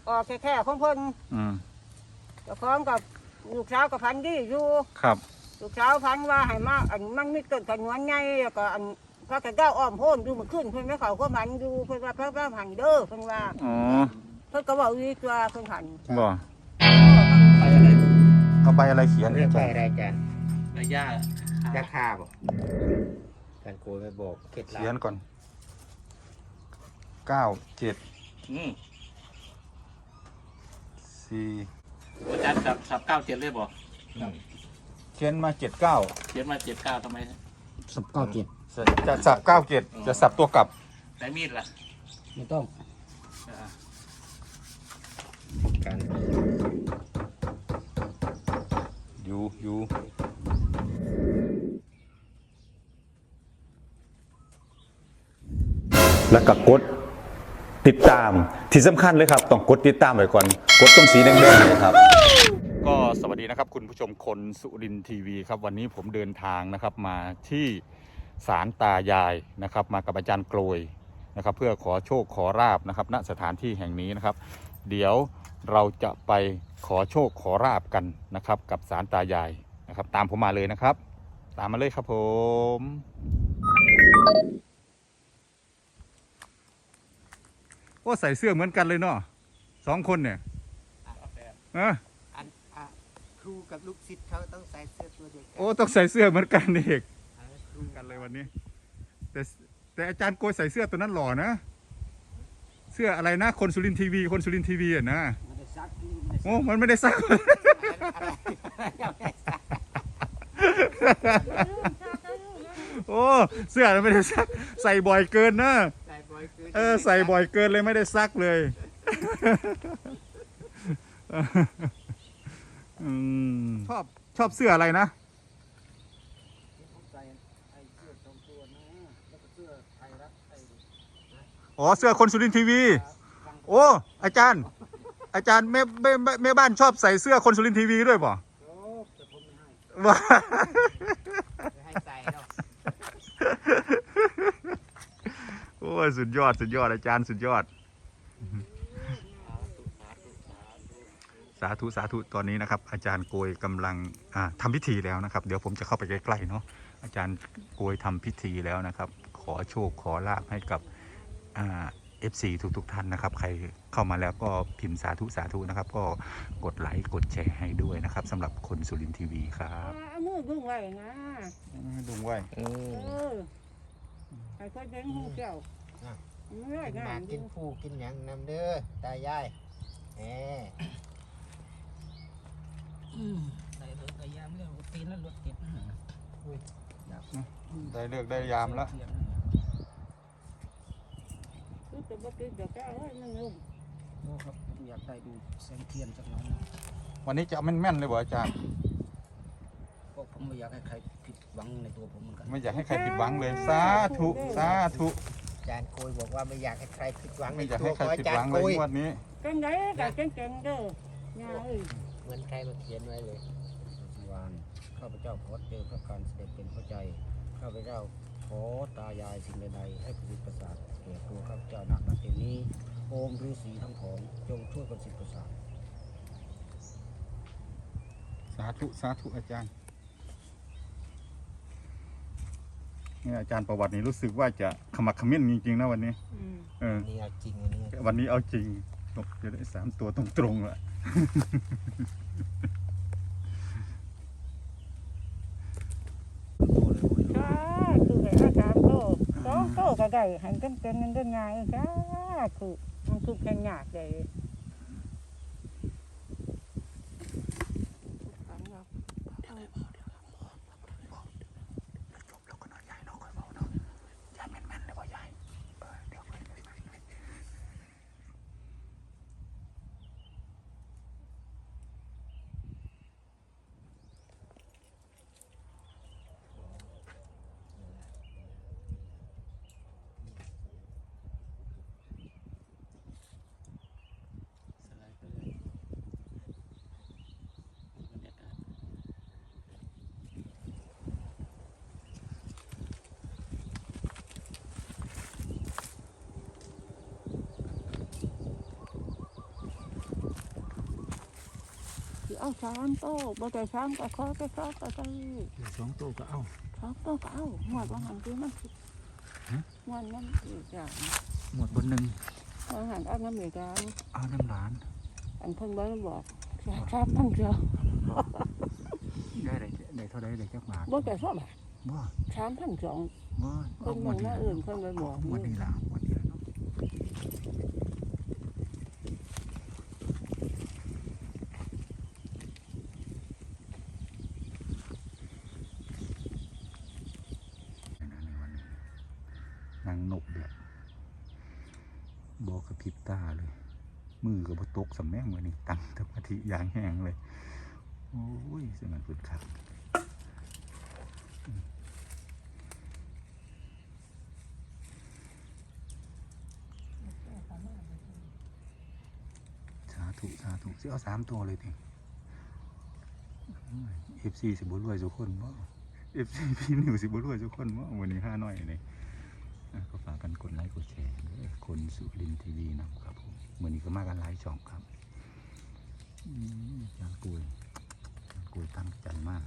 ออกแค่ของเพิ่นเจ้าของกับลูกสาวกับพันดีอยู่ครับลูกสาวพันว่าให้มาอันมันมีต้นขนวนใหญ่แล้วก็อันพระกระเจ้าอ้อมโพนดูมันขึ้นเพิ่นไม่เขาก็มันดูเพิ่นว่าพระหันเด้อเพิ่นว่าอ๋อเพิ่นก็บอกวิตัวเพิ่นหันบ่ไปอะไรเอาใบอะไรเขียนเรื่องไปอะไรกันใบหญ้าราคาบ่การโกยไปบอกเคล็ดลับเขียนก่อน97 อืม 4 อาจารย์สับ97เลยบอกเขียนมา79 เขียนมา79ทำไม 19 จะสับ97จะสับตัวกลับแต่มีดล่ะไม่ต้องอ่าการอยู่แล้วก็กดติดตามที่สำคัญเลยครับต้องกดติดตามไว้ก่อนกดตรงสีแดงๆเลยครับก็สวัสดีนะครับคุณผู้ชมคนสุรินทร์ทีวีครับวันนี้ผมเดินทางนะครับมาที่ศาลตายายนะครับมากับอาจารย์โกรยนะครับเพื่อขอโชคขอราบนะครับณสถานที่แห่งนี้นะครับเดี๋ยวเราจะไปขอโชคขอราบกันนะครับกับศาลตายายนะครับตามผมมาเลยนะครับตามมาเลยครับผมโอ้ใส่เสื้อเหมือนกันเลยเนาะ2 คนเนี่ยครูกับลูกศิษย์เขาต้องใส่เสื้อตัวเดียวกันโอ้ต้องใส่เสื้อเหมือนกันเด็กกันเลยวันนี้แต่อาจารย์โกยใส่เสื้อตัวนั้นหล่อนะเสื้ออะไรนะคนสุรินทร์ทีวีอ่ะนะโอ้มันไม่ได้ซักโอ้เสื้อมันไม่ได้ซักใส่บ่อยเกินนะใส่บ่อยเกินเลยไม่ได้ซักเลยชอบเสื้ออะไรนะอ๋อเสื้อคนสุรินทร์ทีวีโอ้อาจารย์แม่บ้านชอบใส่เสื้อคนสุรินทร์ทีวีด้วยป่ะว่าให้ใส่เนาะโอ้ยสุดยอดอาจารย์สุดยอดสาธุตอนนี้นะครับอาจารย์โกยกำลังทำพิธีแล้วนะครับเดี๋ยวผมจะเข้าไปใกล้ๆเนาะอาจารย์โกยทำพิธีแล้วนะครับขอโชคขอลาภให้กับFC ทุกท่านนะครับใครเข้ามาแล้วก็พิมพ์สาธุนะครับก็กดไลค์กดแชร์ให้ด้วยนะครับสำหรับคนสุรินทร์ทีวีครับมือดึงไว้นะดึงไว้ให้คนเด้งหูเกี่ยวมากินผู้กินหยังนำเด้อตายายได้เลิกได้ยามเรื่องตีนแล้วรถติดได้เลิกได้ยามแล้วจะมากินเดี๋ยวแกเอาหนึ่งลุงโอ้ครับผมอยากได้ดูแสงเทียนจากน้องวันนี้จะเอาแม่นๆเลยบ่อาจารย์ก็ผมไม่อยากให้ใครผิดหวังในตัวผมเหมือนกันไม่อยากให้ใครผิดหวังเลยสาธุอาจารย์โกยบอกว่าไม่อยากให้ใครผิดหวังไม่อยากให้ใครผิดหวังเลยงวดนี้เก่งได้แต่เก่งเด้อเหมือนใครมาเขียนไว้เลยวันข้าพเจ้าขอเจอพระการเสด็จเป็นพระใจข้าพเจ้าขอตายายสิ่งใดๆให้ประสิทธิ์ประสาทแก่ตัวข้าพเจ้านักนาทีนี้โอมฤาษีทั้งของจงช่วยประสิทธิ์ประสาทสาธุอาจารย์นี่อาจารย์ประวัตินี้รู้สึกว่าจะขมักเขม้นจริงๆนะวันนี้นี่เอาจริงวันนี้เอาจริงตกจะได้3 ตัวตรงๆแหละโตก็ได้หันกันเป็นเงินได้ง่ายจ้าคือมันคือแค่หยาดเลยเอา3 โต๊ะบ่ได้3ก็ขอไปขอก็ได้ 2 โต๊ะก็เอา 2 โต๊ะก็เอาหมดว่าหันคือมันสิงานนั้นอีกอย่างหมดบนหนึ่งว่าหันเอาน้ำอีกอย่างเอาน้ำหลานอันเพิ่นบ่ได้บอก3,000เดียวได้เท่าไรได้จักบาทบ่ได้2 บาทบ่ 3,200 บ่เพิ่นบอกว่าอื่นเพิ่นไปบอกวันนี้ล่ะวันนี้ล่ะเนาะนางนกแบบบอกกระพริบตาเลย มือกับบตกสำแม่งวันนี้ตั้งสมาธิอย่างแห้งเลยโอ้ยสมันฝึกขัดสาธุสาธุสิเอา3 ตัวเลยทีFC สิบุรวยทุกคนบ่ FC พี่นิวสิบุรวยทุกคนบ่วันนี้5 น้อยเลยก็ฝากกันกดไลค์กดแชร์คนสุรินทร์ทีวีนะครับผมวันนี้ก็มากันหลายช่องครับอาจารย์กุยตั้งใจมาก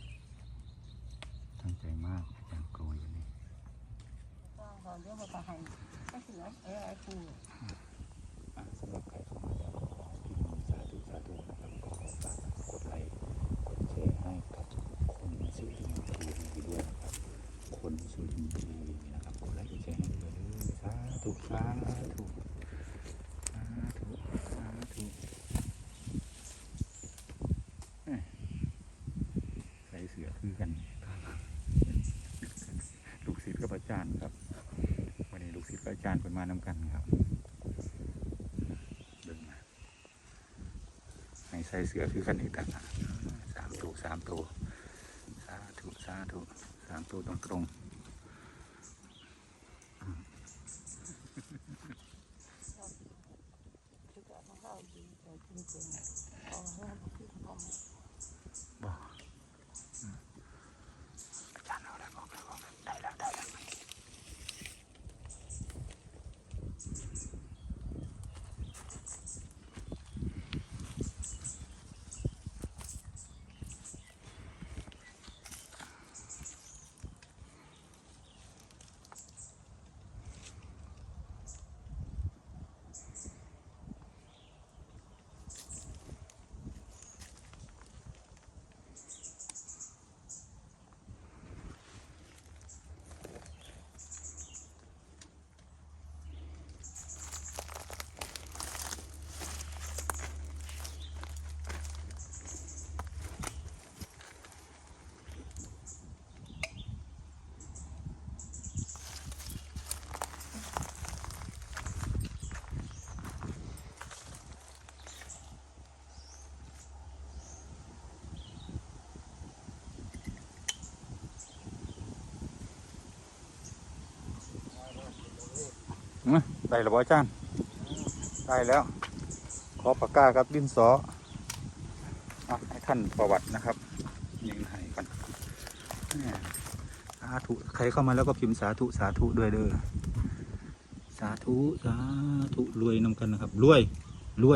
อาจารย์กุยวันนี้ตอนเดี๋ยวก็ให้ก็สิเอาไอ้คือสำหรับใครเข้ามาแล้วขอพิมพ์สาธุนะครับก็ฝากกดไลค์กดแชร์ให้กับคนสุรินทร์ทีวีด้วยนะครับคนสุรินทร์ทีวีนะครับกดไลค์กดแชร์ให้ด้วยสาธุใส่เสือคือกันลูกศิษย์กับอาจารย์ครับวันนี้ลูกศิษย์กับอาจารย์เป็นมานำกันครับเดินมาให้ใส่เสือคือกันอีกต่างหาก3 ตัวสาธุ3 ตัวตรงบ่อาจารย์เอาแล้วบอกได้แล้วได้แล้วอาจารย์ได้แล้วขอปากกากับดินสอให้ท่านประวัตินะครับยิงให้กันสาธุใครเข้ามาแล้วก็พิมพ์สาธุด้วยเด้อสาธุรวยนำกันนะครับรวยอ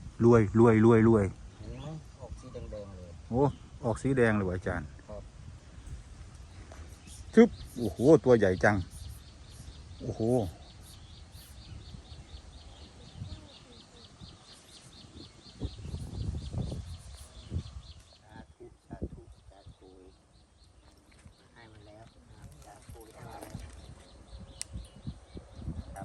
อกสีแดงๆเลยโอ้ออกสีแดงเลยอาจารย์ครับชึบโอ้โหตัวใหญ่จังโอ้โหให้มันแล้วสาธุให้มันแล้ว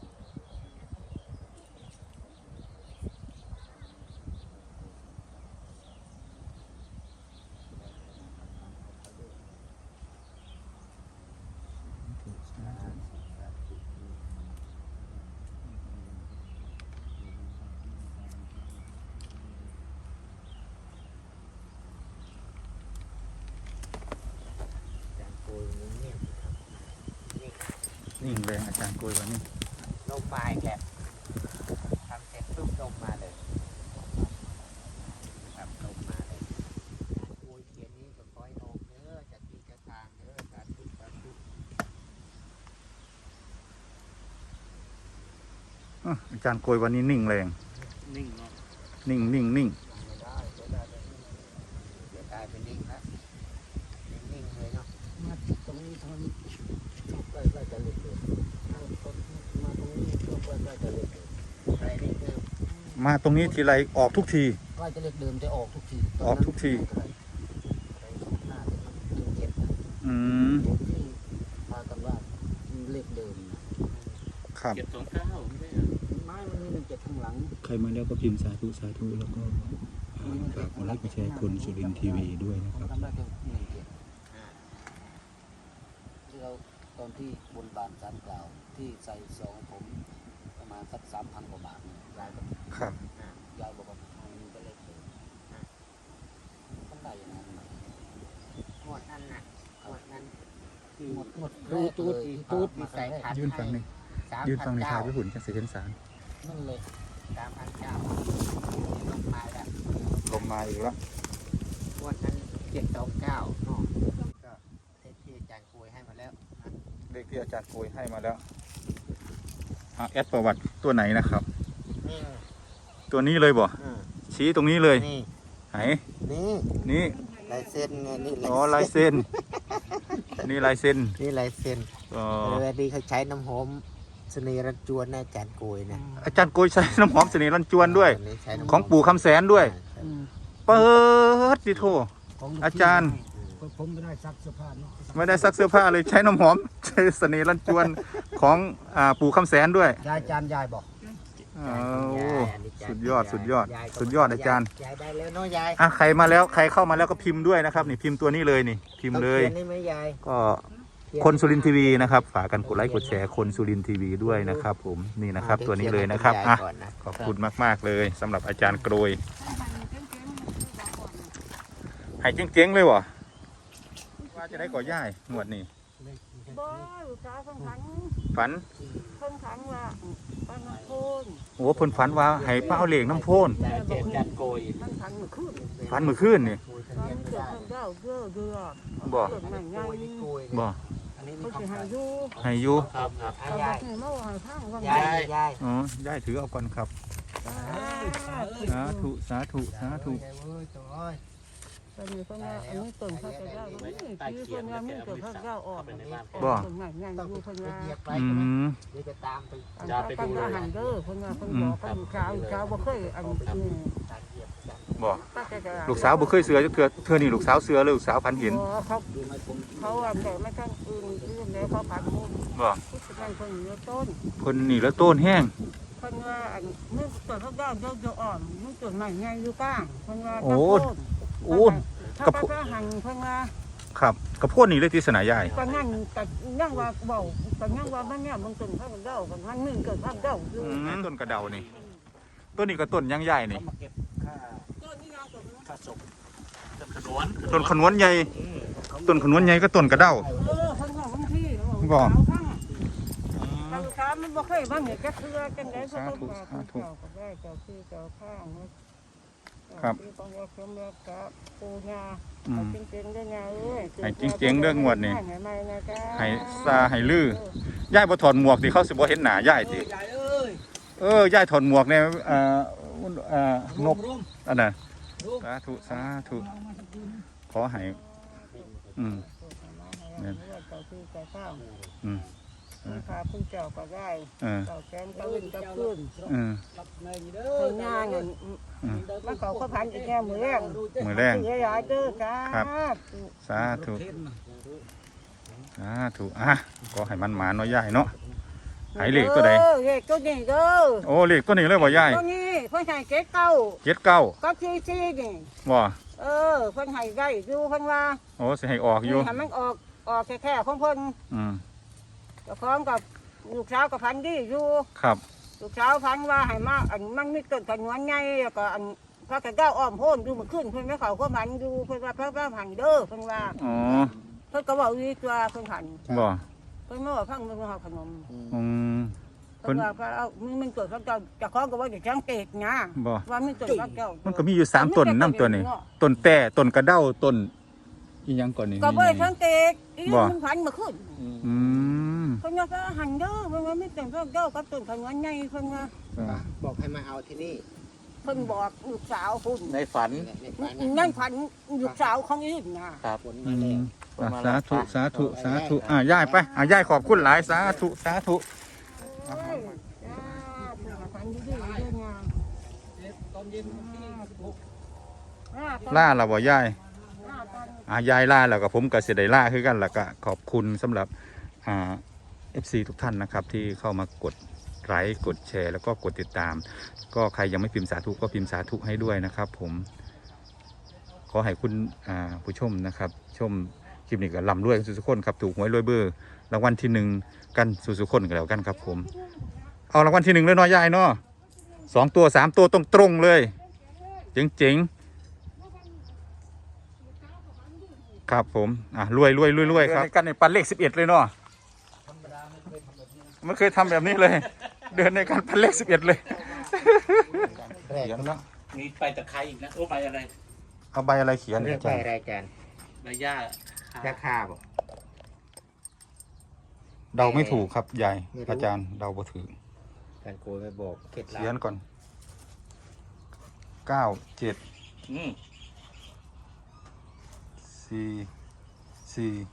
นิ่งเลยอาจารย์โกยวันนี้ลงมาอีกแล้วทำเสร็จปุ๊บลงมาเลยครับลงมาเลยโอ้ยเขียนนี้ก็คอยออกเด้อจากที่จะทางเด้อสาธุอาจารย์โกยวันนี้นิ่งแรงนิ่งเนาะนิ่งไม่ได้ทางใกล้ๆจะเล็กเลยมาตรงนี้ก็ใกล้ๆจะเล็กเลยใกล้เดิมมาตรงนี้ทีไรออกทุกทีใกล้จะเล็กเดิมจะออกทุกทีออกทุกทีหน้าจะเจ็บนะอืมที่พากันว่าเลขเดิมนะครับ ไม้มันมี17ข้างหลังใครมาแล้วก็พิมพ์สาธุสาธุแล้วก็ฝากกดไลค์กดแชร์คนสุรินทร์ทีวีด้วยนะครับทำได้แค่ที่เราตอนที่บนบานศาลกล่าวที่ใส่ซองผมประมาณสัก3,000 กว่าบาทเนี่ยยายก็ครับยายบอกว่ามันก็เลขเดิมมันได้อย่างนั้นไหมหมดนั่นน่ะหมดนั้นหมดตูดมีใส่ขันยื่นฟังนี่ยื่นฟังในทายไปหุ่นจังสิเห็นสารนั่นเลย 3,900ลงมาแล้วลมมาอีกแล้วหมดนั้น729เนาะก็ที่อาจารย์คุยให้มาแล้วนะเลขที่อาจารย์โกยให้มาแล้วแอดประวัติตัวไหนนะครับนี่ตัวนี้เลยบ่ ชี้ตรงนี้เลยนี่ไหนนี่นี่ลายเส้นไงนี่อ๋อลายเส้นนี่ลายเส้นนี่ลายเส้นอ๋อเวลาดีเขาใช้น้ำหอมเสน่ห์รันจวนนะอาจารย์กุยนะอาจารย์โกยใช้น้ำหอมเสน่ห์รันจวนด้วยอันนี้ใช้น้ำหมของปู่คำแสนด้วย เปิดดิโทอาจารย์ผมไม่ได้ซักเสื้อผ้าเนาะไม่ได้ซักเสื้อผ้าเลยใช้น้ำหอมใช้เสน่ห์รันจวนของปู่คำแสนด้วยยายจานยายบอกโอ้สุดยอดสุดยอดสุดยอดอาจารย์ยายได้แล้วเนาะยายใครมาแล้วใครเข้ามาแล้วก็พิมพ์ด้วยนะครับนี่พิมพ์ตัวนี้เลยนี่พิมพ์เลยอาขีนนี่ไหมยายก็คนสุรินทร์ทีวีนะครับฝากกันกดไลค์กดแชร์คนสุรินทร์ทีวีด้วยนะครับผมนี่นะครับตัวนี้เลยนะครับเดี๋ยวเขียนให้ณยายก่อนนะขอบคุณมากๆเลยสำหรับอาจารย์โกรยให้เจ๊งๆเลยวะว่าจะได้ก่อย่ายงวดนี้บ่ลูกสาวคนขันฝันคนขันว่าปานโคนโอ้เพิ่นฝันว่าให้ป้าเอาเหล็กน้ำโพนแต่เจ็ดจันโกยมันขันเมื่อคืนฝันเมื่อคืนนี่ฝันเกิดคนเจ้าเด้อเดือบ่เกิดใหม่ไงบ่อันนี้เขานี่สิให้อยู่ให้อยู่ครับครับเอาบ่ให้มาว่าให้ฟังว่าไงยายอ๋อย่ายถือเอาก่อนครับสาธุสาธุสาธุตอนนี้เพิ่นว่าอันนี้ต้นเขาจะได้ว่านี่คือเพิ่นว่ามีต้นเขาเจ้าออกต้นใหม่ไงอยู่เพิ่นว่าเหยียบไปอืใช่ไหมมเดี๋ยวจะตามไปอันไปดูอาหารเด้อเพิ่นว่าเพิ่นบอกกันเช้าบ่เคยอันบ่ป้าจะลูกสาวบ่เคยเสือจักเทื่อนี่ลูกสาวเสือเลยลูกสาวพันเห็นเขาอันแต่ไม่ทันอื่นอื่นแล้วเขาผัดมุกบ่ที่สุดนั่นเพิ่นเหลือต้นเพิ่นนี่แล้วต้นแห้งเพิ่นว่าอันมือต้นเขาได้เจ้าอ่อนมือต้นใหม่ไงอยู่กลางเพิ่นว่าโอ้กกระระพุพุ้หันเพิ่นว่าครับกระโพดนี่เลยที่สนายายก็นั่งก็ยังว่าเบาก็ยังว่ามันเนี่ยมันต้นเขาเจ้ากันมันมึงเกิดข้างเจ้าอยู่ต้นกระเดานี่ต้นนี้ก็ต้นยังใหญ่นี่มาเก็บค่าต้นนี้ยาวต้นนี้ค่าศพต้นขนวนใหญ่ต้นขนวนใหญ่ก็ต้นกระเดาเพิ่นว่าบางทีบ่ลูกค้ามันบ่เคยบ้างเนี่ยจะคือจังได๋เพิ่นก็ว่าเจ้าก็ได้เจ้าที่เจ้าข้างที่ต้องว่าสมรักกับปู่ย่าจริงๆเด้อยาเอ้ยให้จริงๆเรื่องงวดนี่ให้ใหม่นะจ๊ะให้ซาให้ลือย่ายบ่ถอดหมวกสิเขาสิบ่เห็นหน้าย่ายสิยายเอ้ยย่ายถอดหมวกเนี่ยนกร่มอันน่ะสาธุสาธุขอให้เนี่ยเจ้าที่เจ้าข้าง พาผู้เจ้าก็ได้ เจ้าแกนก็วิ่งก็ขึ้นรับในนี้เด้เพิ่อนย่างเงินมาเขาก็พันอีกแค่มือแรงมือแรงเสียหลายเด้อจ้าสาธุสาธุก็ให้มันหมาเนาะย่ายเนาะหายเลขตัวใดเลขตัวนี้เด้อโอ้เลขตัวนี้เลยบ่ย่ายตัวนี้เพิ่นให้เจ็ดเก้า 79 ก็ซีซีนี่บ่เพิ่นให้ได้อยู่เพิ่นว่าโอ้สิให้ออกอยู่ให้มันออกแค่ของเพิ่น เจ้าของกับลูกสาวกับพันดีอยู่ครับลูกสาวพันว่าให้มาอันมันมีต้นขนวนใหญ่แล้วก็อันพระกระเจ้าอ้อมโพนดูมันขึ้นเพิ่นไม่เขาก็มันอยู่เพิ่นว่าพระหันเด้อเพิ่นว่าอ๋อเพิ่นก็บอกวิตัวเพิ่นหันบ่เพิ่นมาว่าพังมันเอาขนมอืมเพิ่นว่าพระเอามันเกิดพระเจ้าเจ้าของก็ว่าเดี๋ยวจังเตกนะบ่ว่ามีต้นพระเจ้ามันก็มีอยู่3ต้นนํตัวนี้ต้นแต่ต้นกระเด้าต้นอีหยังก่อนนี่ก็บ่ได้จังเตกอีบ่มันพันมาขึ้นอืมเพิ่นว่าพระหันเด้อเพิ่นว่ามีต้นพระเจ้ากับต้นขนวนใหญ่เพิ่นว่าบอกให้มาเอาที่นี่เพิ่นบอกลูกสาวคุณในฝันในฝันนั่นพันลูกสาวของอีกนะครับฝนมาแล้วสาธุสาธุสาธุย่ายไปย่ายขอบคุณหลายสาธุสาธุโอ้ยจ้าถูกฝันดีๆด้วยงามตอนเย็นที่ล่าเราบ่ย่ายตอนยายล่าแล้วก็ผมก็เสียดายล่าคือกันแล้วก็ขอบคุณสำหรับFC ทุกท่านนะครับที่เข้ามากดไลค์กดแชร์แล้วก็กดติดตาม ก็ใครยังไม่พิมพ์สาธุก็พิมพ์สาธุให้ด้วยนะครับผมขอให้คุณผู้ชมนะครับชมคลิปนี้ก็ร่ำรวยสุขคนครับถูกหวยรวยเบอร์รางวัลที่1กันสุขคนกันแล้วกันครับผมเอารางวัลที่1เลยเนาะยายเนาะ2 ตัว 3 ตัวตรงๆเลยเจ๋งๆครับผมรวยครับกันในปันเลข11เลยเนาะไม่เคยทำแบบนี้เลยเดินในการปันเลข11เลยแรกเขียนแล้วมีใบตะไคร้อีกนะโอ้ใบอะไรเอาใบอะไรเขียนเรียกอาไปจารย์อะไรกันใบหญ้าราคาบ่เดาไม่ถูกครับยายไม่รู้อาจารย์เดาบ่ถือการโกยไม่บอกเคล็ดลัเขียนบก่อน9 7 อืม 4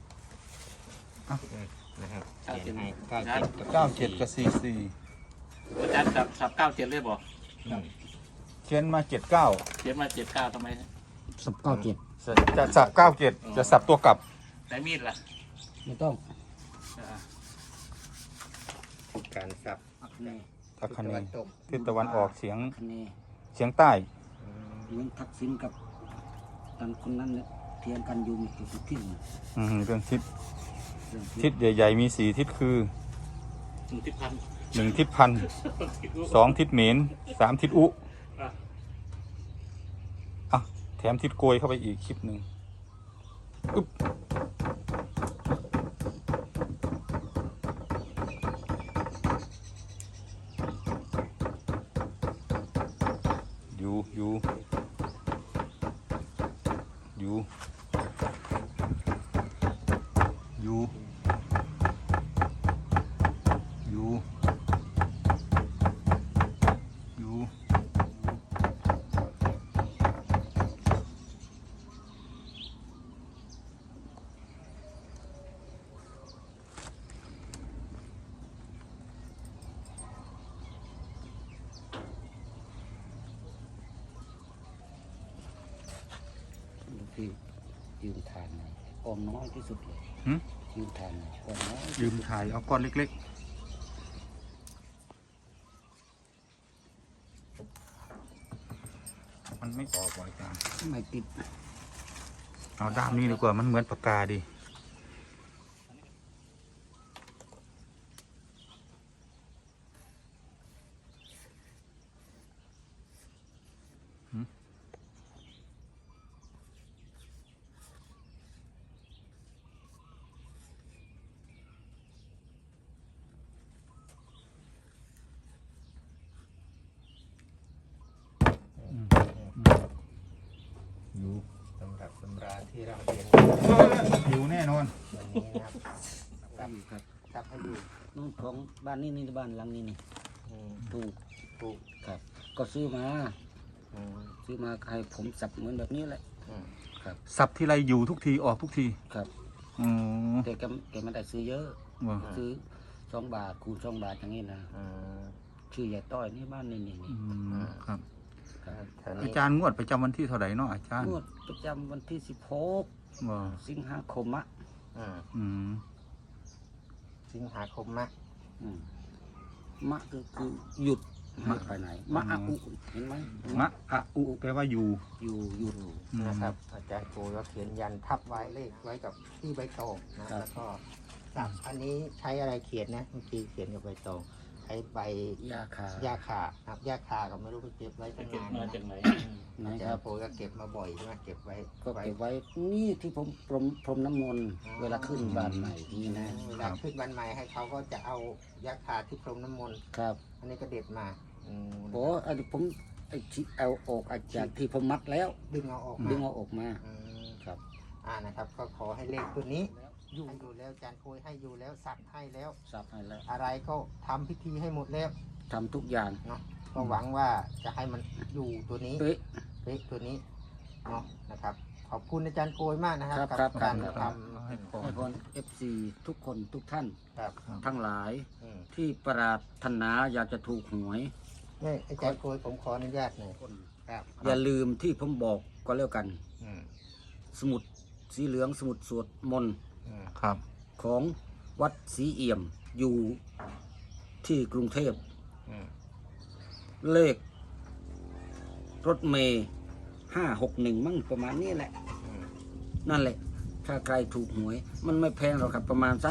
นะครับเก้าเขียเจ็ดนให้ 4 9 7กับ44 อาจารย์สับ97เลยบอกเขียนมา79 เขียนมา79ทำไมสับ97 จะสับ97จะสับตัวกลับไหนมีดล่ะไม่ต้องอ่าการสับนี่ตะคันตะวันี้นตกทิศตะวันออกเฉียงคันนี้เฉียงใต้เลี้ยงทักษิณกับตอนคนนั้นเนี่ยเทียนกันอยู่มีจุดที่หนึ่งเรื่องทิศเรื่องทิศใหญ่ๆมี4ทิศคือที่พัน 1ทิศพัน2ทิศเหม็น3ทิศอุแถมทิศโกยเข้าไปอีกคลิปหนึ่งอึ๊บอยู่อยู่อยู่อยู่อยู่อยู่ที่ยืมทานหน่อยออมน้อยที่สุดเลยหึยืมทานหน่อยออมน้อยยืมถ่ายเอาก้อนเล็กๆ มันไม่ออกว่ะอาจารย์ไม่ติดเอาด้ามนี้ดีกว่ามันเหมือนปากกาดีอยู่สำหรับตำราที่เราเรียนอยู่แน่นอนวันนี้นะครับครับสับให้ดูนู่นของบ้านนี่บ้านหลังนี้นี่อืมถูกถูกครับ ก็ซื้อมาอืมซื้อมาให้ผมสับเหมือนแบบนี้แหละอืมสับทีไรอยู่ทุกทีออกทุกทีครับอืมแต่แกไม่ได้ซื้อเยอะว่าซื้อ2 บาทคูณ2 บาทอย่างนี้นะอืมชื่อยายต้อยนี่บ้านนี่นี่อืมครับแถวอานี้จารย์งวดประจำวันที่เท่าไหร่เนาะอาจารย์งวดประจำวันที่16 ว่าสิงหาคมอะอืมอืมสิงหาคมมะอืมมะคือหยุดไม่ไปไหนมะอะอุเห็นไหมมะอะอุแปลว่าอยู่อยู่หยุดนะครับ อาจารย์โกก็เขียนยันทับไว้เลขไว้กับที่ใบตองนะแล้วก็สับอันนี้ใช้อะไรเขียนนะเมื่อกี้เขียนกับใบตองใช้ใบยาคาหญ้าคาครับหญ้าคาก็ไม่รู้ไปเก็บไว้ตั้งนานมานะจากไหนอาคจารรับย์โกก็เก็บมาบ่อยใช่ไหมเก็บไว้ก็เก็บไว้นี่ที่ผมพรมน้ำมนต์เวลาขึ้นบ้านใหม่นี่นะเวลาขึ้นวันใหม่ให้เขาก็จะเอายาคาที่พรมน้ำมนต์ครับอันนี้ก็เด็ดมาอืมโอ้อันนี้ผมไอ้ที่เอาออกอาจากที่ผมมัดแล้วดึงเอาออกดึมางเอาออกมาอืมครับนะครับ ก็ขอให้เลขตัวนี้อยู่ดูแล้วอาจารย์โกยให้อยู่แล้วสับให้แล้วสับให้แล้วอะไรก็ทำพิธีให้หมดแล้วทำทุกอย่างเนาะก็หวังว่าจะให้มันอยู่ตัวนี้เป๊ะเป๊ะตัวนี้เนาะนะครับขอบคุณอาจารย์โกยมากนะครับครับการครับทให้พรให้พร FC ทุกคนทุกท่านำครับทั้งหลายอืมที่ปรารถนาอยากจะถูกหวยนี่อาจารย์โกยผมขออนุญาตหน่อยครับอย่าลืมที่ผมบอกก็แล้วกันอืมสมุดสีเหลืองสมุดสวดมนต์อืมครับของวัดศรีเอี่ยมอยู่ที่กรุงเทพอืมเลขรถเมย์561มั่งประมาณนี้แหละอืมนั่นแหละ ถ้าใครถูกหวย มันไม่แพงหรอกครับ ประมาณสัก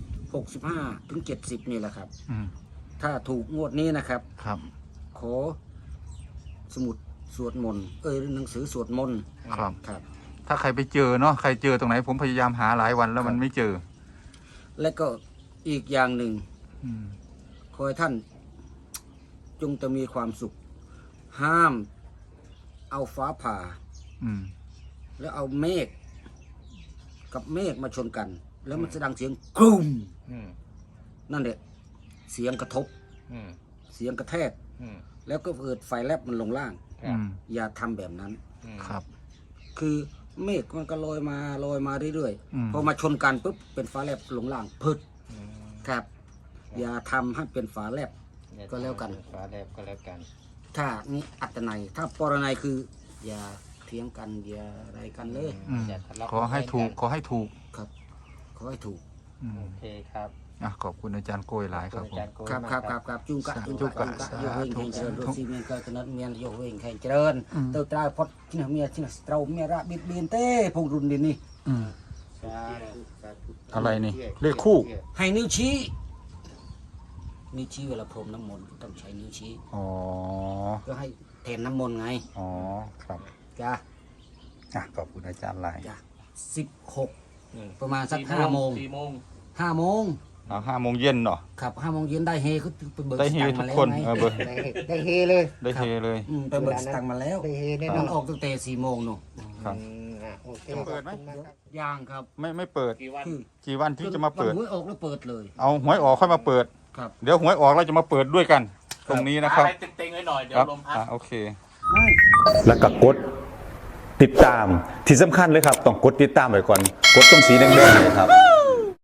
65ถึง70นี่แหละครับอืมถ้าถูกงวดนี้นะครับครับขอสมุดสวดมนต์หนังสือสวดมนต์ครับครับถ้าใครไปเจอเนาะใครเจอตรงไหนผมพยายามหาหลายวันแล้วมันไม่เจอและก็อีกอย่างหนึ่งอืมขอให้ท่านจงจะมีความสุข ห้ามเอาฟ้าผ่าอืมแล้วเอาเมฆกับเมฆมาชนกัน แล้วมันจะดังเสียงกรุ้มอืมนั่นแหละเสียงกระทบอืมเสียงกระแทกอืมแล้วก็เกิดไฟแลบมันลงล่างอืมอย่าทำแบบนั้นอืมครับคือเมฆมันก็ลอยมาเรื่อยอืมๆพอมาชนกันปุ๊บเป็นฟ้าแลบลงล่างพึดอืมครับ อย่าทำให้เป็นฟ้าแลบ ก็แล้วกันฟ้าแลบก็แล้วกันถ้านี่อัตนัยถ้าปรนัยคือ อย่าเถียงกันอย่าอะไรกันเลยอืมอย่าทะเลาะขอให้ถูก ขอให้ถูกครับขอให้ถูกอืมโอเคครับอ่ะขอบคุณอาจารย์โกยหลายครับขอบผคุณอาม จารย์โกยครับมากครับจุงกะสาธุจุงกะสาธุโยเวงแห่งเจริญสาธุรถซีเมียนก็กนัดเมียนโยเวงแห่งเจริญอืมเติบตราพดที่เมียที่เราเมียระบิดเบียนเต้พงรุนดินนี่อืมสาธุสาธุอะไรนี่เลขคู่ให้นิ้วชี้นิ้วชี้เวลาพรมน้ำมนต์ต้องใช้นิ้วชี้อ๋อก็ให้แทนน้ำมนต์ไงอ๋อ ครับจ้าอ่ะขอบคุณอาจารย์หลายจ้า16 อืมประมาณสัก5 โมง 5 โมงเอา5 โมงเย็นเนาะครับ5 โมงเย็นได้เฮคือไปเบิกได้สเฮตังค์ทุมาก แล้วคนไงเบอร์ได้เฮเลยได้เฮเลยไปเบิกสตังค์มาแล้วได้เฮแน่นมัอนนออกตั้งแต่4 โมงนู่นครับโอเคจะเปิดไหมขอบคุณากครับย่างครับไม่เปิดคือกี่วันที่จะมาเปิดวันหวยออกแล้วเปิดเลยเอาหวยออกค่อยมาเปิดครับเดี๋ยวหวยออกเราจะมาเปิดด้วยกัน ตรงนี้นะครับอะไรเต็งๆไว้หน่อย เดี๋ยคว รับลมพัดโอเคไม่แล้วก็กดติดตามที่สำคัญเลยครับ ต้องกดติดตามไว้ก่อน กดตรงสีแดงๆเลยครับ